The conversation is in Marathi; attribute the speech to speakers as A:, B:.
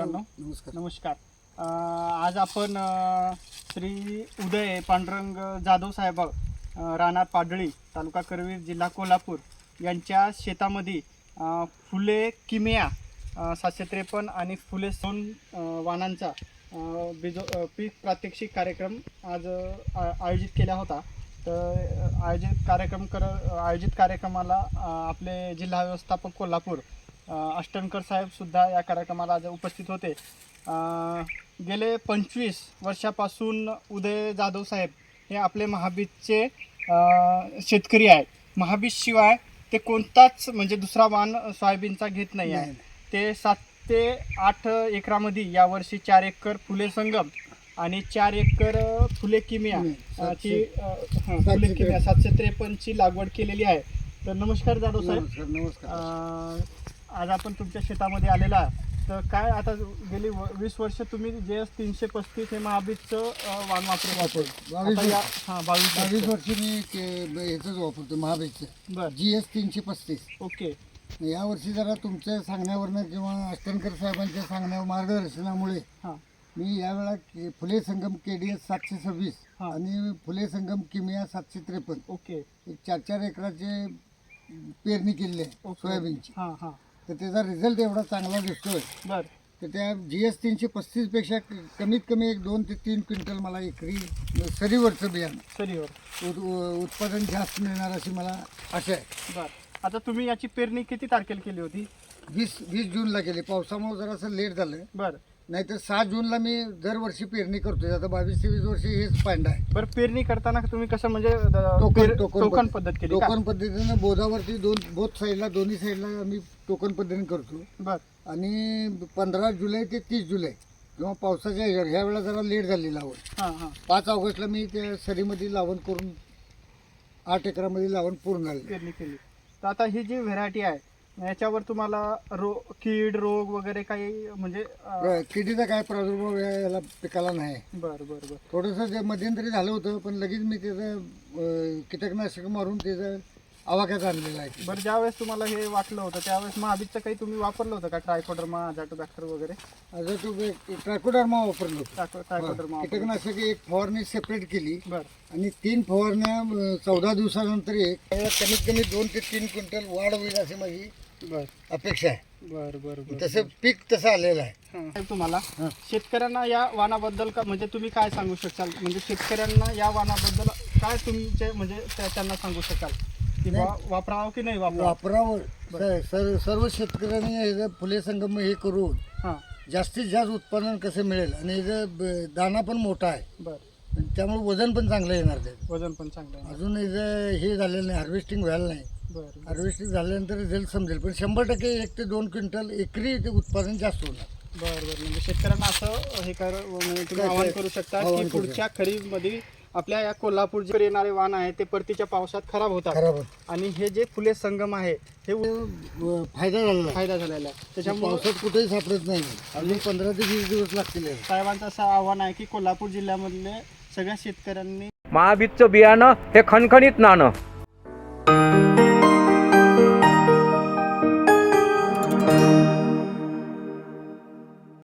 A: मित्रांनो,
B: नमस्कार.
A: नमस्कार. आज आपण श्री उदय पांडुरंग जाधव साहेब राहणार पाडळी, तालुका करवीर, जिल्हा कोल्हापूर यांच्या शेतामध्ये फुले किमिया 753 आणि फुले सोन वाणांचा पीक प्रात्यक्षिक कार्यक्रम आज आयोजित केला होता. तर आयोजित कार्यक्रमाला आपले जिल्हा व्यवस्थापक कोल्हापूर अष्टनकर साहेब सुद्धा या कार्यक्रमाला आज उपस्थित होते. गेले 25 वर्षापासून उदय जाधव साहेब हे आपले महाबीजचे शेतकरी आहेत. महाबीजशिवाय ते कोणताच म्हणजे दुसरा वाण सोयाबीनचा घेत नाही आहे. ते 7 ते 8 एकरामध्ये यावर्षी 4 एकर फुले संगम आणि 4 एकर फुले किमिया ची फुले किमिया 753 ची लागवड केलेली आहे. तर नमस्कार जाधव साहेब.
B: नमस्कार.
A: आज आपण तुमच्या शेतामध्ये आलेला आहे. तर काय आता गेली 20 वर्ष तुम्ही JS 335 हे महाबीजचं वाण वापरतो.
B: 22 वर्ष मी याचंच वापरतो महाबीजचं.
A: बरं.
B: GS 335.
A: ओके.
B: यावर्षी जरा तुमच्या सांगण्यावरनं किंवा अष्टनकर साहेबांच्या सांगण्यावर मार्गदर्शनामुळे मी यावेळा फुले संगम KDS 726 आणि फुले संगम किमिया 753
A: ओके
B: एक 4 एकराचे पेरणी केली आहे सोयाबीनची. तर त्याचा रिझल्ट एवढा चांगला दिसतोय.
A: बरं.
B: तर त्या GS 335 पेक्षा कमीत कमी 2 ते 3 क्विंटल मला एकरी सरीवरचं बियाणं उत्पादन जास्त मिळणार अशी मला आशा आहे.
A: बरं. आता तुम्ही याची पेरणी किती तारखेला केली होती?
B: 20 जूनला केली. पावसामुळे जरासं लेट झालं.
A: बरं.
B: नाहीतर 6 जूनला मी दरवर्षी पेरणी करतोय. आता 22 ते 20 वर्षी हेच पांडा आहे.
A: बरं. पेरणी करताना तुम्ही कसं म्हणजे टोकन पद्धत केली?
B: टोकन पद्धतीनं बोधावरती बोथ साईडला दोन्ही साईडला आम्ही टोकन पद्धतीने करतो.
A: बरं.
B: आणि 15 जुलै ते 30 जुलै किंवा पावसाच्या ह्या वेळेला जरा लेट झाली लावण. 5 ऑगस्टला मी त्या सरीमध्ये लावण करून 8 एकरामध्ये लावण पूर्ण झाली
A: पेरणी केली. तर आता ही जी व्हेरायटी आहे याच्यावर तुम्हाला कीड रोग वगैरे काही म्हणजे
B: किडीचा काय प्रादुर्भाव याला पिकाला नाही.
A: बरं बरं बरं.
B: थोडंसं जे मध्यंतरी झालं होतं पण लगेच मी त्याचं कीटकनाशक मारून त्याचं आवाक्यात आणलेलं आहे.
A: बरं. ज्यावेळेस तुम्हाला हे वाटलं होतं त्यावेळेस महाबीजचं काही तुम्ही वापरलं होतं का? ट्रायकोडर्मा, अझाटोबॅक्टर वगैरे?
B: ट्रायकोडर्मा वापरलं होतं.
A: ट्रायकोडर्मा
B: कीटकनाशक एक फवारणी सेपरेट केली.
A: बरं.
B: आणि 3 फवारण्या 14 दिवसानंतर कमीत कमी 2 ते 3 क्विंटल वाढ होईल अशी माझी अपेक्षा आहे.
A: बरं बरं बरं.
B: तसं पीक तसं आलेलं आहे.
A: तुम्हाला शेतकऱ्यांना या वाणाबद्दल का म्हणजे तुम्ही काय सांगू शकाल? म्हणजे शेतकऱ्यांना या वाणाबद्दल काय तुमचे म्हणजे त्यांना सांगू शकाल की वापरावं की नाही
B: वापरावं? सर्व शेतकऱ्यांनी हे फुले संगम हे करून जास्तीत जास्त उत्पादन कसं मिळेल आणि याचा दाना पण मोठा आहे.
A: बरं.
B: त्यामुळे वजन पण चांगलं येणार. ते
A: वजन पण चांगलं आहे.
B: अजून याचं हे झालेलं नाही, हार्वेस्टिंग व्हायला नाही.
A: बरं.
B: हार्वेस्टिंग झाल्यानंतर रिझल्ट समजेल. पण 100% 1 ते 2 क्विंटल एकरी ते उत्पादन जास्त होणार.
A: बरं बरं. म्हणजे शेतकऱ्यांना असं हे म्हणजे तुम्ही आवाहन करू शकता की पुढच्या खरीपमध्ये आपल्या या कोल्हापूर जे येणारे वाण आहे ते परतीच्या पावसात खराब होतात. आणि हे जे फुले संगम आहे हे फायदा झालेला आहे. त्याच्यामुळे
B: पावसात कुठेही सापडत नाही. अजून 15 ते 20 दिवस लागतील.
A: साहेबांचं असं आव्हान आहे की कोल्हापूर जिल्ह्यामधले सगळ्या शेतकऱ्यांनी
C: महाबीजचं बियाणं हे खणखणीत नाणं.